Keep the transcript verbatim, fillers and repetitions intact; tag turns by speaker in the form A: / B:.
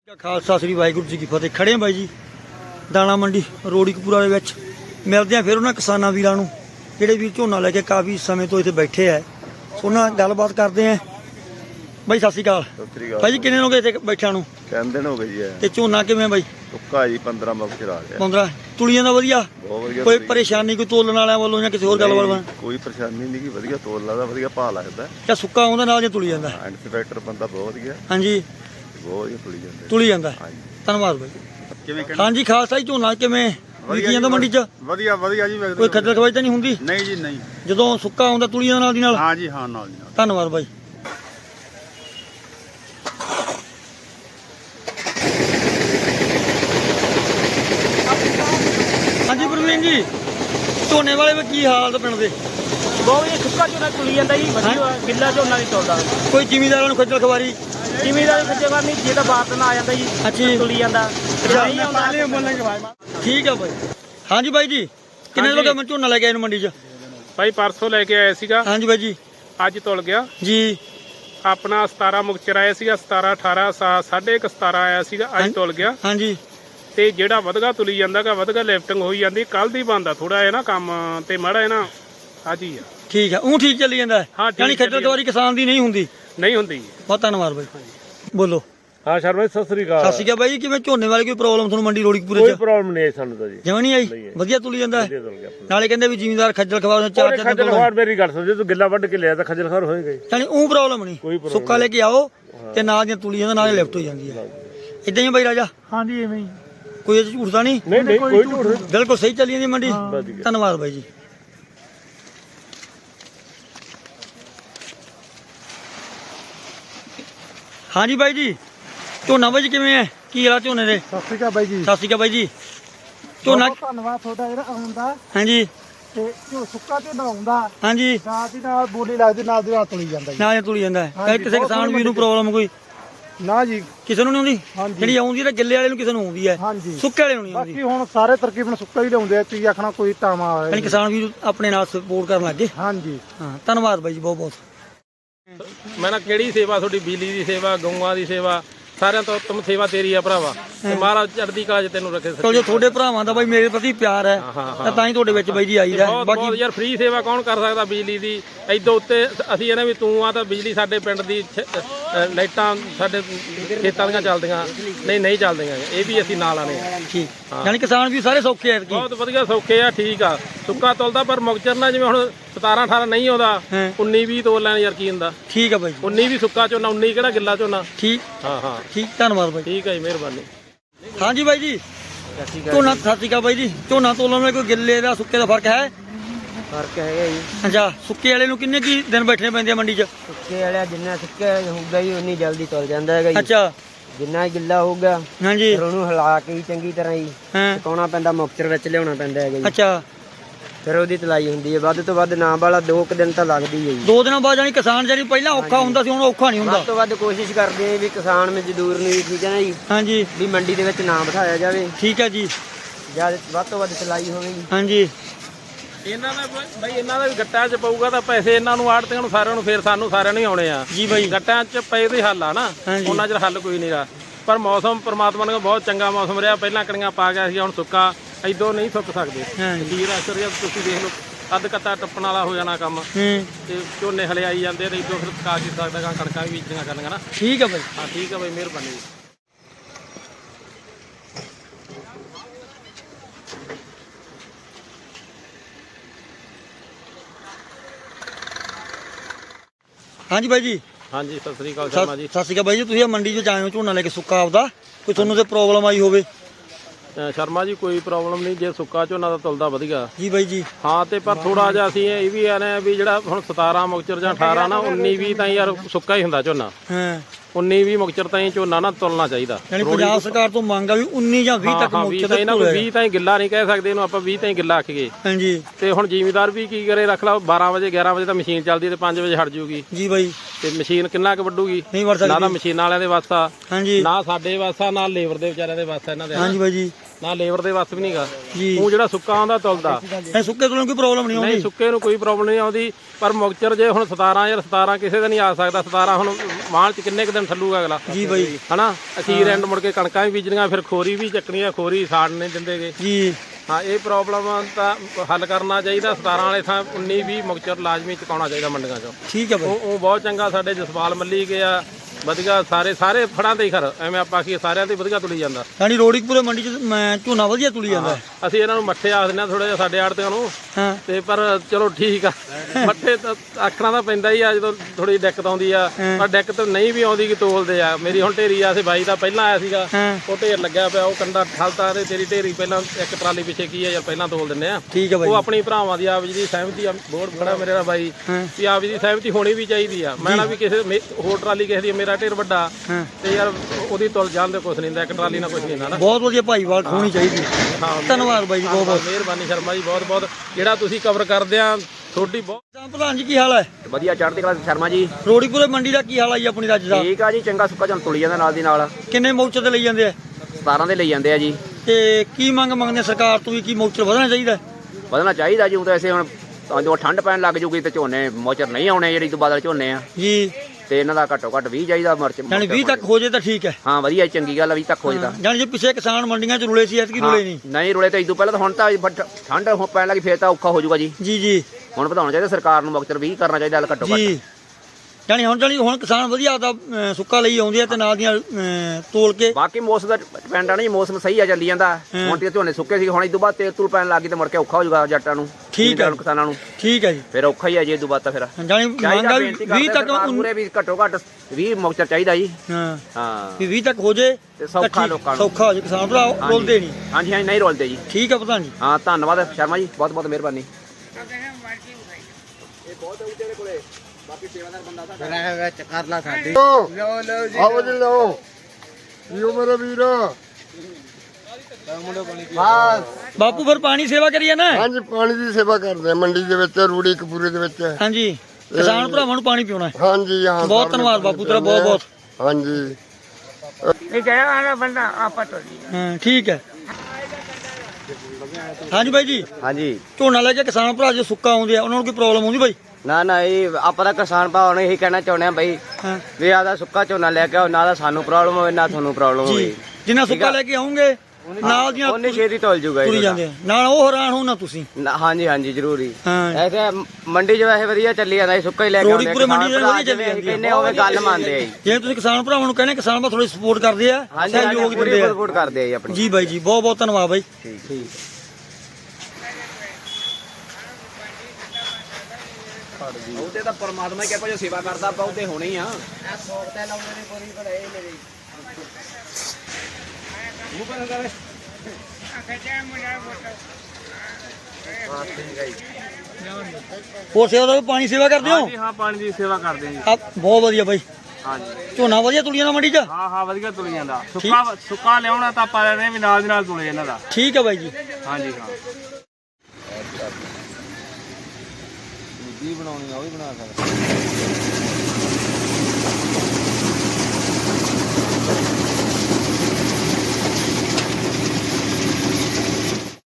A: ਖਾਲਸਾ ਸ੍ਰੀ ਵਾਹਿਗੁਰੂ ਜੀ ਕੀ ਫਤਿਹ। ਖੜੇ ਬਾਈ ਜੀ ਦਾਣਾ ਮੰਡੀ ਰੋੜੀਕਪੂਰਾ ਦੇ ਵਿੱਚ ਮਿਲਦੇ ਆ ਫਿਰ ਉਹਨਾਂ ਕਿਸਾਨਾਂ ਵੀਰਾਂ ਨੂੰ ਜਿਹੜੇ ਵੀ ਝੋਨਾ ਲੈ ਕੇ ਕਾਫੀ ਸਮੇਂ ਤੋਂ ਇੱਥੇ ਬੈਠੇ ਆ। ਉਹਨਾਂ ਨਾਲ ਗੱਲਬਾਤ ਕਰਦੇ ਆ। ਬਾਈ ਸਤਿ ਸ਼੍ਰੀ ਅਕਾਲ। ਬਾਈ ਜੀ ਕਿੰਨੇ ਹੋ ਗਏ ਇੱਥੇ ਬੈਠਿਆਂ ਨੂੰ?
B: ਤਿੰਨ ਦਿਨ ਹੋ ਗਏ ਜੀ।
A: ਤੇ ਝੋਨਾ ਕਿਵੇਂ ਬਾਈ?
B: ਤੁੱਕਾ ਜੀ ਪੰਦਰਾਂ ਮੁੱਖ ਚਲਾ ਗਿਆ।
A: ਪੰਦਰਾਂ ਤੁਲੀਆਂ ਦਾ ਵਧੀਆ?
B: ਬਹੁਤ ਵਧੀਆ।
A: ਕੋਈ ਪਰੇਸ਼ਾਨੀ ਕੋਈ ਤੋਲਣ ਵਾਲਿਆਂ ਵੱਲੋਂ ਜਾਂ ਕਿਸੇ ਹੋਰ ਗੱਲ ਵੱਲੋਂ?
B: ਕੋਈ ਪਰੇਸ਼ਾਨੀ ਨਹੀਂ ਗੀ, ਵਧੀਆ ਤੋਲ ਲੱਗਦਾ, ਵਧੀਆ ਭਾਅ ਲੱਗਦਾ।
A: ਜਾਂ ਸੁੱਕਾ ਆਉਂਦਾ ਨਾਲ ਜਾਂ ਤੁਲੀ ਜਾਂਦਾ?
B: ਇਨਸਪੈਕਟਰ ਬੰਦਾ ਬਹੁਤ ਵਧੀਆ।
A: ਹਾਂਜੀ
B: ਬਹੁਤ ਵਧੀਆ ਤੁਲੀ ਜਾਂਦਾ।
A: ਤੁਲੀ ਜਾਂਦਾ। ਧੰਨਵਾਦ ਬਾਈ।
B: ਕਿਵੇਂ
A: ਹਾਂਜੀ ਖਾਲਸਾ ਜੀ ਝੋਨਾ ਕਿਵੇਂ ਵਿਕੀ ਜਾਂਦਾ ਮੰਡੀ 'ਚ?
B: ਵਧੀਆ ਵਧੀਆ ਜੀ।
A: ਕੋਈ ਖੱਜਲ ਖਵਾਈ ਤਾਂ ਨਹੀਂ ਹੁੰਦੀ?
B: ਨਹੀਂ ਜੀ ਨਹੀਂ।
A: ਜਦੋਂ ਸੁੱਕਾ ਆਉਂਦਾ ਤੁਲੀਆਂ ਨਾਲ ਦੀ ਨਾਲ?
B: ਹਾਂ ਜੀ ਹਾਂ, ਨਾਲ ਦੀ ਨਾਲ।
A: ਧੰਨਵਾਦ ਬਾਈ। ਹਾਂਜੀ ਪ੍ਰਵੀਨ ਜੀ ਝੋਨੇ ਵਾਲੇ ਵੀ ਕੀ ਹਾਲਤ ਪਿੰਡ ਦੇ?
C: ਬਹੁਤ ਵਧੀਆ ਸੁੱਕਾ ਝੋਨਾ ਤੁਲੀ ਜਾਂਦਾ ਜੀ, ਵਧੀਆ ਗਿੱਲਾ ਝੋਨਾ ਨਹੀਂ ਤੁਲਦਾ।
A: ਕੋਈ ਜ਼ਿਮੀਂਦਾਰਾਂ ਨੂੰ ਖੱਜਲ ਖਵਾਰੀ?
C: ਜ਼ਿਮੀਂਦਾਰ ਖੱਜੇਵਾਰ ਨਹੀਂ, ਜੇ ਤਾਂ ਬਾਤ ਨਾ ਆ ਜਾਂਦਾ ਜੀ
A: ਅੱਛੀ
C: ਤੁਲੀ ਜਾਂਦਾ।
A: ਠੀਕ ਆ ਬਾਈ। ਹਾਂਜੀ ਬਾਈ ਜੀ ਕਿੰਨੇ ਲੋਕਾਂ ਮੈਂ ਝੋਨਾ ਲੈ ਕੇ ਆਏ ਨੂੰ ਮੰਡੀ 'ਚ?
D: ਭਾਈ ਪਰਸੋਂ ਲੈ ਕੇ ਆਇਆ ਸੀਗਾ,
A: ਹਾਂਜੀ ਬਾਈ ਜੀ।
D: ਅੱਜ ਤੁਲ ਗਿਆ
A: ਜੀ
D: ਆਪਣਾ ਸਤਾਰਾਂ ਮੁਕਚਰ ਆਇਆ ਸੀਗਾ, ਸਤਾਰਾਂ ਅਠਾਰਾਂ ਸਾਢੇ ਇੱਕ ਸਤਾਰਾਂ ਆਇਆ ਸੀਗਾ, ਅੱਜ ਤੁਲ ਗਿਆ।
A: ਹਾਂਜੀ
D: ਤੇ ਜਿਹੜਾ ਵਧਗਾ ਤੁਲੀ ਜਾਂਦਾਗਾ, ਵਧਗਾ ਲਿਫਟਿੰਗ ਹੋਈ ਜਾਂਦੀ। ਕੱਲ ਦੀ ਬੰਦਾ ਥੋੜਾ ਹੈ ਨਾ ਕੰਮ ਤੇ ਮਾੜਾ ਹੈ ਨਾ ਅੱਜ ਹੀ ਆ।
A: ਠੀਕ ਆ ਉਹ ਠੀਕ ਚੱਲੀ ਜਾਂਦਾ
D: ਹਾਂ, ਠੀਕ
A: ਯਾਨੀ ਖੱਜਲ ਖਵਾਰੀ ਕਿਸਾਨ ਦੀ ਨਹੀਂ ਹੁੰਦੀ?
D: ਨਹੀਂ ਹੁੰਦੀ।
A: ਬਹੁਤ ਧੰਨਵਾਦ ਬਾਈ। ਬੋਲੋ।
E: ਹਾਂ ਸ਼ਰਮਾ ਜੀ ਸਤਿ ਸ੍ਰੀ ਅਕਾਲ।
A: ਸਤਿ ਸ਼੍ਰੀ ਅਕਾਲ ਬਾਈ ਜੀ। ਕਿਵੇਂ ਝੋਨੇ ਵਾਲੀ ਕੋਈ ਪ੍ਰੋਬਲਮ ਤੁਹਾਨੂੰ ਮੰਡੀ ਰੋੜੀਕਪੂਰੇ
E: ਕੋਈ
A: 'ਚ?
E: ਪ੍ਰੋਬਲਮ ਨਹੀਂ ਆਈ ਸਾਨੂੰ ਤਾਂ ਜੀ।
A: ਜਮਾਂ ਨਹੀਂ ਆਈ? ਵਧੀਆ ਤੁਲੀ ਜਾਂਦਾ?
E: ਵਧੀਆ ਤੁਲ ਗਿਆ ਆਪਣਾ।
A: ਨਾਲੇ ਕਹਿੰਦੇ ਵੀ ਜ਼ਿਮੀਂਦਾਰ ਖੱਜਲ ਖਵਾਰ ਚਾਰ ਚਾਰ
E: ਖੱਜਲ ਖਵਾਰ ਮੇਰੀ ਗੱਲ ਸੁਣ, ਜੇ ਤੂੰ ਗਿੱਲਾ ਵੱਢ ਕੇ ਲਿਆ ਤਾਂ ਖੱਜਲ ਖਵਾਰ ਹੋਏਗਾ ਹੀ।
A: ਯਾਨੀ ਉਹ ਪ੍ਰੋਬਲਮ ਨਹੀਂ, ਸੁੱਕਾ ਲੈ ਕੇ ਆਓ ਤੇ ਨਾਲ ਦੀਆਂ ਤੁਲੀਆਂ ਦਾ ਨਾਲ ਲਿਫਟ ਹੋ ਜਾਂਦੀ ਹੈ। ਇਦਾਂ ਹੀ ਆ ਬਾਈ ਰਾਜਾ?
C: ਹਾਂਜੀ ਐਵੇਂ ਹੀ।
A: ਕੋਈ ਇਹ 'ਚ ਝੂਠ ਤਾਂ ਨਹੀਂ?
E: ਨਹੀਂ ਨਹੀਂ ਕੋਈ ਝੂਠ ਨਹੀਂ।
A: ਬਿਲਕੁਲ ਸਹੀ ਚੱਲੀ ਜਾਂਦੀ ਮੰਡੀ। ਧੰਨਵਾਦ ਬਾਈ ਜੀ। ਹਾਂਜੀ ਬਾਈ ਜੀ ਝੋਨਾ ਬਾਈ ਜੀ ਕਿਵੇਂ ਹੈ? ਕੀ ਹਾਲ ਝੋਨੇ ਦੇ?
C: ਸਤਿ ਸ਼੍ਰੀ ਅਕਾਲ ਬਾਈ ਜੀ।
A: ਸਤਿ ਸ਼੍ਰੀ ਅਕਾਲ ਬਾਈ ਜੀ। ਝੋਨਾ
C: ਧੰਨਵਾਦ ਤੁਹਾਡਾ ਜਿਹੜਾ ਆਉਂਦਾ
A: ਹਾਂਜੀ
C: ਤੇ ਜੋ ਸੁੱਕਾ ਝੋਨਾ ਆਉਂਦਾ
A: ਹਾਂਜੀ
C: ਨਾਲ ਦੀ ਨਾਲ ਬੋਲੀ ਲੱਗਦੀ, ਨਾਲ ਦੀ ਨਾਲ ਤੁਲੀ ਜਾਂਦਾ ਜੀ।
A: ਨਾਲ ਹੀ ਤੁਲੀ ਜਾਂਦਾ ਹੈ। ਕਿਸੇ ਕਿਸਾਨ ਵੀਰ ਨੂੰ ਪ੍ਰੋਬਲਮ ਕੋਈ?
C: ਨਾ ਜੀ
A: ਕਿਸੇ ਨੂੰ ਨਹੀਂ
C: ਹਾਂਜੀ।
A: ਆਉਂਦੀ? ਜਿਹੜੀ ਆਉਂਦੀ ਤਾਂ ਗਿੱਲੇ ਵਾਲੇ ਨੂੰ ਕਿਸੇ ਨੂੰ ਆਉਂਦੀ ਹੈ,
C: ਹਾਂਜੀ।
A: ਸੁੱਕੇ ਵਾਲੇ ਨੂੰ ਨਹੀਂ ਆਉਂਦੀ।
C: ਬਾਕੀ ਹੁਣ ਸਾਰੇ ਤਕਰੀਬਨ ਸੁੱਕਾ ਹੀ ਲਿਆਉਂਦੇ ਆ, ਤੁਸੀਂ ਆਖਣਾ ਕੋਈ ਟਾਮਾ ਆ
A: ਯਾਨੀ ਕਿਸਾਨ ਵੀਰ ਆਪਣੇ ਨਾਲ ਸਪੋਰਟ ਕਰਨ ਲੱਗੇ।
C: ਹਾਂਜੀ
A: ਹਾਂ ਧੰਨਵਾਦ ਬਾਈ ਜੀ ਬਹੁਤ ਬਹੁਤ।
D: ਮੈਂ ਨਾ ਕਿਹੜੀ ਸੇਵਾ ਤੁਹਾਡੀ, ਬਿਜਲੀ ਦੀ ਸੇਵਾ, ਗਊਆਂ ਦੀ ਸੇਵਾ, ਸਾਰਿਆਂ ਤੋਂ ਉੱਤਮ ਸੇਵਾ ਤੇਰੀ ਆ ਭਰਾਵਾ। ਤੇ ਮਹਾਰਾਜ ਚੜ੍ਹਦੀ ਕਲਾ 'ਚ ਤੈਨੂੰ ਰੱਖੇ।
A: ਚਲੋ ਜੇ ਤੁਹਾਡੇ ਭਰਾਵਾਂ ਦਾ ਬਾਈ ਮੇਰੇ ਪ੍ਰਤੀ ਪਿਆਰ ਹੈ ਤਾਂ ਤਾਂ ਹੀ ਤੁਹਾਡੇ ਵਿੱਚ ਬਾਈ ਜੀ ਆਈਦਾ।
D: ਬਹੁਤ ਬਹੁਤ ਯਾਰ ਫ੍ਰੀ ਸੇਵਾ ਕੌਣ ਕਰ ਸਕਦਾ ਬਿਜਲੀ ਦੀ? ਏਦੋਂ ਉੱਤੇ ਅਸੀਂ ਇਹਨੇ ਵੀ ਤੂੰ ਆ ਤਾਂ ਬਿਜਲੀ ਸਾਡੇ ਪਿੰਡ ਦੀ ਲਾਈਟਾਂ ਸਾਡੇ ਖੇਤਾਂ ਦੀਆਂ ਚੱਲਦੀਆਂ ਨਹੀਂ ਨਹੀਂ ਚੱਲਦੀਆਂ, ਇਹ ਵੀ ਅਸੀਂ ਨਾਲ ਆਨੇ ਆ।
A: ਠੀਕ ਯਾਨੀ ਕਿਸਾਨ ਵੀ ਸਾਰੇ ਸੌਖੇ ਆ?
D: ਬਹੁਤ ਵਧੀਆ ਸੌਖੇ ਆ। ਠੀਕ ਆ ਸੁੱਕਾ ਤੁਲਦਾ ਪਰ ਮੁਕਚਰ ਨਾਲ ਜਿਵੇਂ ਹੁਣ ਸਤਾਰਾਂ ਅਠਾਰਾਂ ਨਹੀਂ ਆਉਂਦਾ, ਉੱਨੀ ਵੀਹ ਤੋਲ ਲੈਣ ਯਾਰ ਕੀ ਹੁੰਦਾ।
A: ਠੀਕ ਆ ਬਾਈ।
D: ਉੱਨੀ ਵੀ ਸੁੱਕਾ ਝੋਨਾ, ਉੱਨੀ ਕਿਹੜਾ ਗਿੱਲਾ ਝੋਨਾ।
A: ਠੀਕ
D: ਹਾਂ ਹਾਂ
A: ਠੀਕ ਧੰਨਵਾਦ ਬਾਈ।
D: ਠੀਕ ਹੈ ਜੀ, ਮਿਹਰਬਾਨੀ।
A: ਹਾਂਜੀ ਬਾਈ ਜੀ ਝੋਨਾ ਸਤਿ ਸ਼੍ਰੀ ਅਕਾਲ ਬਾਈ ਜੀ। ਝੋਨਾ ਤੋਲਣ ਨਾਲ ਕੋਈ ਗਿੱਲੇ ਦਾ ਸੁੱਕੇ ਦਾ ਫਰਕ ਹੈ?
C: ਫਰਕ ਹੈਗਾ ਜੀ।
A: ਅੱਛਾ ਸੁੱਕੇ ਵਾਲੇ ਨੂੰ ਕਿੰਨੇ ਕੀ ਦਿਨ ਬੈਠਣੇ ਪੈਂਦੇ ਆ ਮੰਡੀ 'ਚ?
C: ਸੁੱਕੇ ਵਾਲਾ ਜਿੰਨਾ ਸੁੱਕਾ ਹੋਊਗਾ ਜੀ ਉਨੀ ਜਲਦੀ ਤੁਲ ਜਾਂਦਾ ਹੈਗਾ ਜੀ।
A: ਅੱਛਾ
C: ਜਿੰਨਾ ਗਿੱਲਾ ਹੋਊਗਾ
A: ਹਾਂਜੀ
C: ਫਿਰ ਉਹਨੂੰ ਹਿਲਾ ਕੇ ਚੰਗੀ ਤਰ੍ਹਾਂ ਹੀ
A: ਹਾਂ
C: ਸੁਕਾਉਣਾ ਪੈਂਦਾ, ਮੁਕਚਰ ਵਿੱਚ ਲਿਆਉਣਾ ਪੈਂਦਾ ਹੈਗਾ ਜੀ।
A: ਅੱਛਾ
C: ਫਿਰ ਉਹਦੀ ਤਲਾਈ ਹੁੰਦੀ ਹੈ। ਵੱਧ ਤੋਂ ਵੱਧ ਨਾ ਵਾਲਾ ਦੋ ਕੁ ਦਿਨ ਤਾਂ ਲੱਗਦੀ ਹੈ ਜੀ।
A: ਦੋ ਦਿਨਾਂ ਬਾਅਦ ਜਾਨੀ ਕਿਸਾਨ ਜਾਨੀ ਪਹਿਲਾਂ ਔਖਾ ਹੁੰਦਾ ਸੀ, ਹੁਣ ਔਖਾ ਨਹੀਂ ਹੁੰਦਾ।
C: ਵੱਧ ਤੋਂ ਵੱਧ ਕੋਸ਼ਿਸ਼ ਕਰਦੇ ਆ ਵੀ ਕਿਸਾਨ ਮਜ਼ਦੂਰ ਨੂੰ ਵੀ, ਠੀਕ ਹੈ ਨਾ ਜੀ,
A: ਹਾਂਜੀ
C: ਵੀ ਮੰਡੀ ਦੇ ਵਿੱਚ ਨਾ ਬਿਠਾਇਆ ਜਾਵੇ।
A: ਠੀਕ ਹੈ ਜੀ।
C: ਜਦ ਵੱਧ ਤੋਂ ਵੱਧ ਤਲਾਈ ਹੋਵੇਗੀ।
A: ਹਾਂਜੀ
D: ਇਹਨਾਂ ਦਾ ਬਈ ਇਹਨਾਂ ਦਾ ਵੀ ਗੱਟਾਂ 'ਚ ਪਊਗਾ ਤਾਂ ਪੈਸੇ ਇਹਨਾਂ ਨੂੰ ਆੜਤੀਆਂ ਨੂੰ ਸਾਰਿਆਂ ਨੂੰ, ਫੇਰ ਸਾਨੂੰ ਸਾਰਿਆਂ ਨੂੰ ਹੀ ਆਉਣੇ ਆ
A: ਜੀ ਬਾਈ।
D: ਗੱਟਾਂ 'ਚ ਪਏ ਦੇ ਹੱਲ ਆ ਨਾ, ਉਹਨਾਂ 'ਚ ਹੱਲ ਕੋਈ ਨਹੀਂ ਗਾ। ਪਰ ਮੌਸਮ ਪ੍ਰਮਾਤਮਾ ਨੇ ਬਹੁਤ ਚੰਗਾ ਮੌਸਮ ਰਿਹਾ। ਪਹਿਲਾਂ ਕਣੀਆਂ ਪਾ ਗਿਆ ਸੀ, ਹੁਣ ਸੁੱਕਾ ਏਦੋਂ ਨਹੀਂ ਸੁੱਕ ਸਕਦੇ। ਵੀਰ ਅਸਰ ਤੁਸੀਂ ਦੇਖ ਲਓ ਅੱਧ ਕੱਤਾ ਟੱਪਣ ਵਾਲਾ ਹੋ ਜਾਣਾ ਕੰਮ।
A: ਹੂੰ
D: ਤੇ ਝੋਨੇ ਹਲੇ ਆਈ ਜਾਂਦੇ ਤੇ ਏਦੋਂ ਫਿਰ ਕਾ ਕੀ ਸਕਦਾ ਗਾ, ਕਣਕਾਂ ਵੀ ਬੀਜਣੀਆਂ ਕਰਨੀਆਂ ਨਾ।
A: ਠੀਕ ਹੈ ਬਾਈ।
D: ਹਾਂ ਠੀਕ ਹੈ ਬਾਈ, ਮਿਹਰਬਾਨੀ ਜੀ।
A: ਹਾਂਜੀ ਬਾਈ ਜੀ।
D: ਹਾਂਜੀ ਸਤਿ ਸ੍ਰੀ ਅਕਾਲ ਸ਼ਰਮਾ ਜੀ।
A: ਸਤਿ ਸ਼੍ਰੀ ਅਕਾਲ ਬਾਈ ਜੀ। ਤੁਸੀਂ ਮੰਡੀ 'ਚ ਆਏ ਹੋ ਝੋਨਾ ਲੈ ਕੇ ਸੁੱਕਾ ਆਪਦਾ, ਕੋਈ ਤੁਹਾਨੂੰ ਤੇ ਪ੍ਰੋਬਲਮ ਆਈ ਹੋਵੇ?
D: ਸ਼ਰਮਾ ਜੀ ਕੋਈ ਪ੍ਰੋਬਲਮ ਨਹੀਂ, ਜੇ ਸੁੱਕਾ ਝੋਨਾ ਦਾ ਤੁਲਦਾ ਵਧੀਆ
A: ਜੀ ਬਾਈ ਜੀ।
D: ਹਾਂ ਤੇ ਪਰ ਥੋੜਾ ਜਿਹਾ ਅਸੀਂ ਇਹ ਵੀ ਆਨੇ ਵੀ ਜਿਹੜਾ ਹੁਣ ਸਤਾਰਾਂ ਮੁਕਚਰ ਜਾਂ ਅਠਾਰਾਂ ਨਾ ਉੱਨੀ ਵੀਹ ਤਾਂ ਯਾਰ ਸੁੱਕਾ ਹੀ ਹੁੰਦਾ ਝੋਨਾ।
A: ਹਾਂ
D: ਉੱਨੀ ਵੀਹ ਮੁਕਚਰ ਤਾਂ ਹੀ ਝੋਨਾ ਨਾ ਤੁਲਣਾ ਚਾਹੀਦਾ।
A: ਯਾਨੀ ਪੰਜਾਬ ਸਰਕਾਰ ਤੋਂ ਮੰਗ ਆ ਵੀ ਉੱਨੀ ਜਾਂ ਵੀਹ ਤੱਕ ਮੁਕਚਰ ਦਾ
D: ਇਹਨਾਂ ਨੂੰ ਵੀਹ ਤਾਂ ਹੀ ਗਿੱਲਾ ਨਹੀਂ ਕਹਿ ਸਕਦੇ, ਇਹਨੂੰ ਆਪਾਂ ਵੀਹ ਤਾਂ ਹੀ ਗਿੱਲਾ ਆਖੀਏ।
A: ਹਾਂਜੀ
D: ਤੇ ਹੁਣ ਜ਼ਿਮੀਦਾਰ ਵੀ ਕੀ ਕਰੇ, ਰੱਖ ਲਾ ਬਾਰਾਂ ਵਜੇ ਗਿਆਰਾਂ ਵਜੇ ਤਾਂ ਮਸ਼ੀਨ ਚੱਲਦੀ ਤੇ ਪੰਜ ਵਜੇ ਹਟ ਜੂਗੀ
A: ਜੀ ਬਾਈ।
D: ਤੇ ਮਸ਼ੀਨ ਕਿੰਨਾ ਕੁ ਵੱਢੂਗੀ?
A: ਨਹੀਂ ਵੜ ਸਕਦੀ
D: ਨਾ ਤਾਂ ਮਸ਼ੀਨਾਂ ਵਾਲਿਆਂ ਦੇ ਵੱਸ ਆ,
A: ਹਾਂਜੀ
D: ਨਾ ਸਾਡੇ ਵੱਸ ਆ, ਨਾ ਲੇਬਰ ਦੇ ਵਿਚਾਰਿਆਂ ਦੇ ਵੱਸ ਆ ਇਹਨਾਂ ਦੇ।
A: ਹਾਂਜੀ ਬਾਈ ਜੀ।
D: ਨਾ ਲੇਬਰ ਦੇ ਵੱਸ ਵੀ ਨਹੀਂਗਾ
A: ਜੀ
D: ਉਹ ਜਿਹੜਾ ਸੁੱਕਾ ਆਉਂਦਾ ਤੁਲਦਾ
A: ਐ ਸੁੱਕੇ ਤੋਂ ਕੋਈ ਪ੍ਰੋਬਲਮ ਨਹੀਂ
D: ਨਹੀਂ
A: ਆਉਂਦੀ
D: ਸੁੱਕੇ ਨੂੰ ਕੋਈ ਪ੍ਰੋਬਲਮ ਨਹੀਂ ਆਉਂਦੀ ਪਰ ਮੁਕਚਰ ਜੇ ਹੁਣ ਸਤਾਰਾਂ ਯਾਰ ਸਤਾਰਾਂ ਕਿਸੇ ਦਾ ਨਹੀਂ ਆ ਸਕਦਾ ਸਤਾਰਾਂ ਹੁਣ ਮਾਲ ਚ ਕਿੰਨੇ ਕੁ ਦਿਨ ਥੱਲੂਗਾ ਅਗਲਾ
A: ਜੀ ਬਾਈ
D: ਹਨਾ ਅਖੀਰ ਐਂਡ ਮੁੜ ਕੇ ਕਣਕਾਂ ਵੀ ਬੀਜਣੀਆਂ ਫਿਰ ਖੋਰੀ ਵੀ ਚੱਕਣੀਆਂ ਖੋਰੀ ਸਾੜ ਨਹੀਂ ਦਿੰਦੇਗੇ
A: ਜੀ
D: ਹਾਂ ਇਹ ਪ੍ਰੋਬਲਮ ਤਾਂ ਹੱਲ ਕਰਨਾ ਚਾਹੀਦਾ ਸਤਾਰਾਂ ਵਾਲੇ ਥਾਂ ਉੱਨੀ ਵੀਹ ਮੁਕਚਰ ਲਾਜ਼ਮੀ ਚੁਕਾਉਣਾ ਚਾਹੀਦਾ ਮੰਡੀਆਂ 'ਚੋਂ
A: ਠੀਕ ਹੈ ਬਾਈ
D: ਉਹ ਉਹ ਬਹੁਤ ਚੰਗਾ ਸਾਡੇ ਜਸਪਾਲ ਮੱਲੀ ਗਿਆ ਵਧੀਆ ਸਾਰੇ ਸਾਰੇ ਫੜਾਂ ਤੇ ਹੀ ਖਰ ਐਵੇਂ ਆਪਾਂ ਕੀ ਸਾਰਿਆਂ ਤੇ ਵਧੀਆ ਤੁਲੀ ਜਾਂਦਾ
A: ਯਾਨੀ ਰੋੜੀਕਪੁਰੇ ਮੰਡੀ ਚ ਮੈਂ ਝੋਨਾ ਵਧੀਆ ਤੁਲੀ ਜਾਂਦਾ
D: ਅਸੀਂ ਇਹਨਾਂ ਨੂੰ ਮੱਠੇ ਆਖ ਦਿੰਦੇ ਆ ਥੋੜਾ ਜਿਹਾ ਸਾਡੇ ਆੜਤਿਆਂ ਨੂੰ
A: ਹਾਂ
D: ਤੇ ਪਰ ਚਲੋ ਠੀਕ ਆ ਮੱਠੇ ਤਾਂ ਆਖਣਾ ਤਾਂ ਪੈਂਦਾ ਹੀ ਆ ਜਦੋਂ ਥੋੜੀ ਦਿੱਕਤ ਆਉਂਦੀ ਆ ਪਰ ਦਿੱਕਤ ਨਹੀਂ ਵੀ ਆਉਂਦੀ ਕਿ ਤੋਲਦੇ ਆ ਮੇਰੀ ਹੁਣ ਢੇਰੀ ਆ ਸੀ ਬਾਈ ਦਾ ਪਹਿਲਾਂ ਆਇਆ ਸੀਗਾ ਉਹ ਢੇਰ ਲੱਗਿਆ ਪਿਆ ਉਹ ਕੰਡਾ ਠਲਤਾ ਤੇ ਤੇਰੀ ਢੇਰੀ ਪਹਿਲਾਂ ਇੱਕ ਟਰਾਲੀ ਪਿੱਛੇ ਕੀ ਆ ਯਾਰ ਪਹਿਲਾਂ ਤੋਲ ਦਿੰਦੇ ਆ
A: ਠੀਕ ਹੈ ਬਾਈ
D: ਉਹ ਆਪਣੀ ਭਰਾਵਾਂ ਦੀ ਆਪ ਜੀ ਦੀ ਸਹਿਮਤੀ ਆ ਬੋਰਡ ਖੜਾ ਮੇਰੇ ਨਾਲ ਬਾਈ ਵੀ ਆਪ ਜੀ ਦੀ ਸਹਿਮਤੀ ਹੋਣੀ ਵੀ ਚਾਹੀਦੀ ਆ ਮੈਂ ਨਾ ਵੀ ਕਿਸੇ ਮੇ- ਹੋਰ ਟਰਾਲੀ ਕਿਸੇ ਦੀ ਮੇਰਾ ਢੇਰ ਵੱਡਾ ਤੇ ਯਾਰ ਉਹਦੀ ਤੁਲ ਜਾਣ ਦੇ ਕੁਛ ਨਹੀਂ ਹੁੰਦਾ ਇੱਕ ਟਰਾਲੀ ਨਾਲ ਕੁਛ ਨਹੀਂ ਹੁੰਦਾ ਨਾ
A: ਬਹੁਤ ਵਧੀਆ ਭਾਈਵਾਲ ਹੋਣੀ ਚਾਹੀਦੀ
D: ਹਾਂ
A: ਧੰਨਵਾਦ ਬਾਈ ਜੀ ਬਹੁਤ ਬਹੁਤ
D: ਮਿਹਰਬਾਨੀ ਸ਼ਰਮਾ ਜੀ ਬਹੁਤ ਬਹੁਤ ਜਿਹੜਾ ਤੁਸੀਂ ਕਵਰ ਕਰਦੇ ਆ ਤੁਹਾਡੀ ਬਹੁਤ
A: ਤਾਂ ਪ੍ਰਧਾਨ ਜੀ ਕੀ ਹਾਲ ਹੈ
C: ਵਧੀਆ ਚੜ੍ਹਦੀ ਕਲਾ ਸ਼ਰਮਾ ਜੀ
A: ਰੋੜੀਕਪੁਰੇ ਮੰਡੀ ਦਾ ਕੀ ਹਾਲ ਹੈ ਜੀ ਆਪਣੀ ਅੱਜ ਦਾ
C: ਠੀਕ ਆ ਜੀ ਚੰਗਾ ਸੁੱਕਾ ਝੋਨਾ ਤੁਲੀ ਜਾਂਦਾ ਨਾਲ ਦੀ ਨਾਲ
A: ਕਿੰਨੇ ਮੌਚਰ ਤੇ ਲਈ ਜਾਂਦੇ ਆ
C: ਸਤਾਰਾਂ ਦੇ ਲਈ ਜਾਂਦੇ ਆ ਜੀ
A: ਤੇ ਕੀ ਮੰਗ ਮੰਗਦੇ ਆ ਸਰਕਾਰ ਤੋਂ ਵੀ ਕੀ ਮੌਚਰ ਵਧਣਾ ਚਾਹੀਦਾ
C: ਵਧਣਾ ਚਾਹੀਦਾ ਜੀ ਉਹ ਤਾਂ ਐਸੇ ਹੁਣ ਜਦੋਂ ਠੰਡ ਪੈਣ ਲੱਗ ਜੂਗੀ ਤੇ ਝੋਨੇ ਮੋਚਰ ਨਹੀਂ ਆਉਣੇ ਜਿਹੜੀ ਤੋਂ ਬਾਦਲ ਝੋਨੇ ਆ
A: ਜੀ
C: ਤੇ ਇਹਨਾਂ ਦਾ ਘੱਟੋ ਘੱਟ ਵੀਹ ਚਾਹੀਦਾ ਮਿਰਚ
A: ਯਾਨੀ ਵੀਹ ਤੱਕ ਹੋ ਜੇ ਤਾਂ ਠੀਕ ਹੈ
C: ਹਾਂ ਵਧੀਆ ਚੰਗੀ ਗੱਲ ਆ ਵੀਹ ਤੱਕ ਹੋ ਜਾਂਦਾ
A: ਯਾਨੀ ਜੇ ਪਿੱਛੇ ਕਿਸਾਨ ਮੰਡੀਆਂ ਚ ਰੁਲੇ ਸੀ ਐਤਕੀ ਰੁਲੇ ਨਹੀਂ
C: ਨਹੀਂ ਰੁਲੇ ਤਾਂ ਇਦੋਂ ਪਹਿਲਾਂ ਤਾਂ ਹੁਣ ਤਾਂ ਬਟ ਠੰਡ ਹੋ ਪੈਣ ਲੱਗੀ ਫੇਰ ਤਾਂ ਔਖਾ ਹੋ ਜਾਊਗਾ ਜੀ
A: ਜੀ ਜੀ
C: ਹੁਣ ਵਧਾਉਣਾ ਚਾਹੀਦਾ ਸਰਕਾਰ ਨੂੰ ਮਕਸਦ ਵੀਹ ਕਰਨਾ ਚਾਹੀਦਾ ਘੱਟੋ ਘੱਟ
A: ਜੀ ਯਾਨੀ ਹੁਣ ਜਾਨੀ ਹੁਣ ਕਿਸਾਨ ਵਧੀਆ ਆਪਦਾ ਸੁੱਕਾ ਲਈ ਆਉਂਦੇ ਆ ਤੇ ਨਾਲ ਦੀਆਂ ਅਹ, ਤੋਲ ਕੇ
C: ਬਾਕੀ ਮੌਸਮ ਦਾ ਡਿਪੈਂਡ ਆ ਨਾ ਜੀ ਮੌਸਮ ਸਹੀ ਆ ਚੱਲੀ ਜਾਂਦਾ ਹੁਣ ਤੇ ਝੋਨੇ ਸੁੱਕੇ ਸੀ ਹੁਣ ਇਦੋਂ ਬਾਅਦ ਤੇਲ ਤੂਲ ਪੈਣ ਲੱਗ ਗਈ ਤੇ ਮੁੜ ਕੇ ਔਖਾ ਹੋ ਜਾਊਗਾ ਜੱਟਾਂ ਨੂੰ
A: ਠੀਕ ਹੈ
C: ਕਿਸਾਨਾਂ ਨੂੰ
A: ਠੀਕ ਹੈ ਜੀ
C: ਫਿਰ ਔਖਾ ਹੀ ਆ ਜੀ ਇਦੋਂ ਬਾਅਦ ਤਾਂ ਫਿਰ
A: ਜਾਨੀ
C: ਚਾਹੀਦਾ
A: ਮੰਗਾ
C: ਬੇਨਤੀ
A: ਵੀਹ
C: ਕਰਦੇ
A: ਤੱਕ
C: ਸਰਕਾਰ
A: ਉਨ-
C: ਮੂਹਰੇ ਵੀ ਘੱਟੋ ਘੱਟ ਵੀਹ ਮੌਕਚਰ ਚਾਹੀਦਾ ਜੀ
A: ਹਾਂ
C: ਹਾਂ
A: ਵੀ ਵੀਹ ਤੱਕ ਹੋ ਜੇ
C: ਤੇ
A: ਤਾਂ
C: ਸੌਖਾ
A: ਠੀਕ-
C: ਲੋਕਾਂ ਨੂੰ
A: ਸੌਖਾ ਹੋ ਜੇ ਕਿਸਾਨ ਭਰਾ ਰੋਲਦੇ ਨਹੀਂ
C: ਹਾਂਜੀ ਹਾਂਜੀ ਨਹੀਂ ਰੋਲਦੇ ਜੀ
A: ਠੀਕ ਹੈ ਪ੍ਰਧਾਨ ਜੀ
C: ਹਾਂ ਧੰਨਵਾਦ ਸ਼ਰਮਾ ਜੀ ਬਹੁਤ ਬਹੁਤ ਮਿਹਰਬਾਨੀ
B: ਆਓ ਜੀ ਲਓ ਜੀਓ ਮੇਰੇ ਵੀਰ
A: ਬਾਪੂ ਫਿਰ ਪਾਣੀ ਸੇਵਾ ਕਰੀਏ ਨਾ
B: ਹਾਂਜੀ ਪਾਣੀ ਦੀ ਸੇਵਾ ਕਰਦੇ ਆ ਮੰਡੀ ਦੇ ਵਿੱਚ ਰੂੜੀ ਕਪੂਰੇ ਦੇ ਵਿੱਚ
A: ਹਾਂਜੀ ਕਿਸਾਨ ਭਰਾਵਾਂ ਨੂੰ ਪਾਣੀ ਪਿਉਣਾ ਹੈ।
B: ਹਾਂਜੀ ਹਾਂ
A: ਬਹੁਤ ਧੰਨਵਾਦ ਬਾਪੂ ਤੇਰਾ ਬਹੁਤ ਬਹੁਤ
B: ਹਾਂਜੀ
A: ਹਾਂ ਠੀਕ ਹੈ ਹਾਂਜੀ ਬਾਈ ਜੀ
C: ਹਾਂਜੀ
A: ਝੋਨਾ ਲੈ ਕੇ ਕਿਸਾਨ ਭਰਾ ਜੇ ਸੁੱਕਾ ਆਉਂਦੇ ਆ ਉਹਨਾਂ ਨੂੰ ਕੋਈ ਪ੍ਰੋਬਲਮ ਆਉਂਦੀ ਬਾਈ
C: ਨਾ ਨਾ ਇਹ ਆਪਾਂ ਤਾਂ ਕਿਸਾਨ ਭਰਾਵਾਂ ਨੂੰ ਇਹੀ ਕਹਿਣਾ ਚਾਹੁੰਦੇ ਆ ਬਈ
A: ਹਾਂ
C: ਵੀ ਆਦਾ ਸੁੱਕਾ ਝੋਨਾ ਲੈ ਕੇ ਆਓ ਨਾ ਤਾਂ ਸਾਨੂੰ ਪ੍ਰੋਬਲਮ ਹੋਵੇ ਨਾ ਤੁਹਾਨੂੰ ਪ੍ਰੋਬਲਮ ਹੋਵੇ
A: ਜੀ ਜਿੰਨਾ ਸੁੱਕਾ ਲੈ ਕੇ ਆਉਂਗੇ ਨਾਲ ਦੀਆਂ
C: ਉਹਨੇ ਛੇਤੀ ਤੁਲ ਜੂਗਾ
A: ਤੁਰੀ
C: ਇਹ
A: ਜਾਂਦੇ ਆ ਨਾਲ ਉਹ ਹੈਰਾਨ ਹੋ ਨਾ ਤੁਸੀਂ
C: ਨਾ- ਹਾਂਜੀ ਹਾਂਜੀ ਜ਼ਰੂਰੀ
A: ਹਾਂ
C: ਐਸੇ ਮੰਡੀ 'ਚ ਵੈਸੇ ਵਧੀਆ ਚੱਲੀ ਜਾਂਦਾ ਸੀ ਸੁੱਕਾ ਹੀ ਲੈ ਕੇ ਆਉਂਦੇ
A: ਰੋੜੀਪੁਰੇ ਮੰਡੀ ਦੇ
C: ਕਿਸਾਨ
A: ਵਧੀਆ ਚੱਲੀ
C: ਭਰਾ
A: ਜਾਂਦੀ ਆ।
C: ਕਹਿੰਦੇ ਹੋਵੇ ਗੱਲ ਮੰਨਦੇ ਆ ਜੀ
A: ਜੇ ਤੁਸੀਂ ਕਿਸਾਨ ਭਰਾਵਾਂ ਨੂੰ ਕਹਿੰਦੇ ਕਿਸਾਨ ਭਰਾ ਥੋੜੀ ਸਪੋਰਟ ਕਰਦੇ ਆ
C: ਹਾਂਜੀ
A: ਸਹਿਯੋਗ
C: ਹਾਂਜੀ ਪੂਰੀ
A: ਦਿੰਦੇ ਆ
C: ਸਪੋਰਟ ਕਰਦੇ ਆ ਜੀ ਆਪਣੀ
A: ਜੀ ਬਾਈ ਜੀ ਬਹੁਤ ਬਹੁਤ ਧੰਨਵਾਦ ਬਾਈ
C: ਠੀਕ ਉਹਦੇ ਤਾਂ ਪਰਮਾਤਮਾ ਕਿਰਪਾ ਜੋ ਸੇਵਾ ਕਰਦਾ ਆਪਾਂ ਉਹਦੇ ਹੋਣੇ ਹੀ ਆ
A: ਹੋਰ ਸੇਵਾ ਦਾ ਵੀ ਪਾਣੀ ਸੇਵਾ ਕਰਦੇ ਹੋ
D: ਹਾਂਜੀ ਹਾਂ ਪਾਣੀ ਦੀ ਸੇਵਾ ਕਰਦੇ ਆ ਜੀ
A: ਆ ਬਹੁਤ ਵਧੀਆ ਬਾਈ
D: ਹਾਂਜੀ
A: ਝੋਨਾ ਵਧੀਆ ਤੁਲੀਆਂ ਦਾ ਮੰਡੀ 'ਚ
D: ਹਾਂ ਹਾਂ ਵਧੀਆ ਤੁਲੀ ਜਾਂਦਾ ਸੁੱਕਾ ਸੁੱਕਾ ਲਿਆਉਣਾ ਤਾਂ ਆਪਾਂ ਲੈਣੇ ਵੀ ਨਾਲ ਦੀ ਨਾਲ ਤੁਲੇ ਇਹਨਾਂ ਦਾ
A: ਠੀਕ ਹੈ ਬਾਈ ਜੀ
D: ਹਾਂਜੀ ਹਾਂ
C: ਬਣਾਉਣੀ ਆ ਉਹ ਵੀ ਬਣਾ ਸਕਦਾ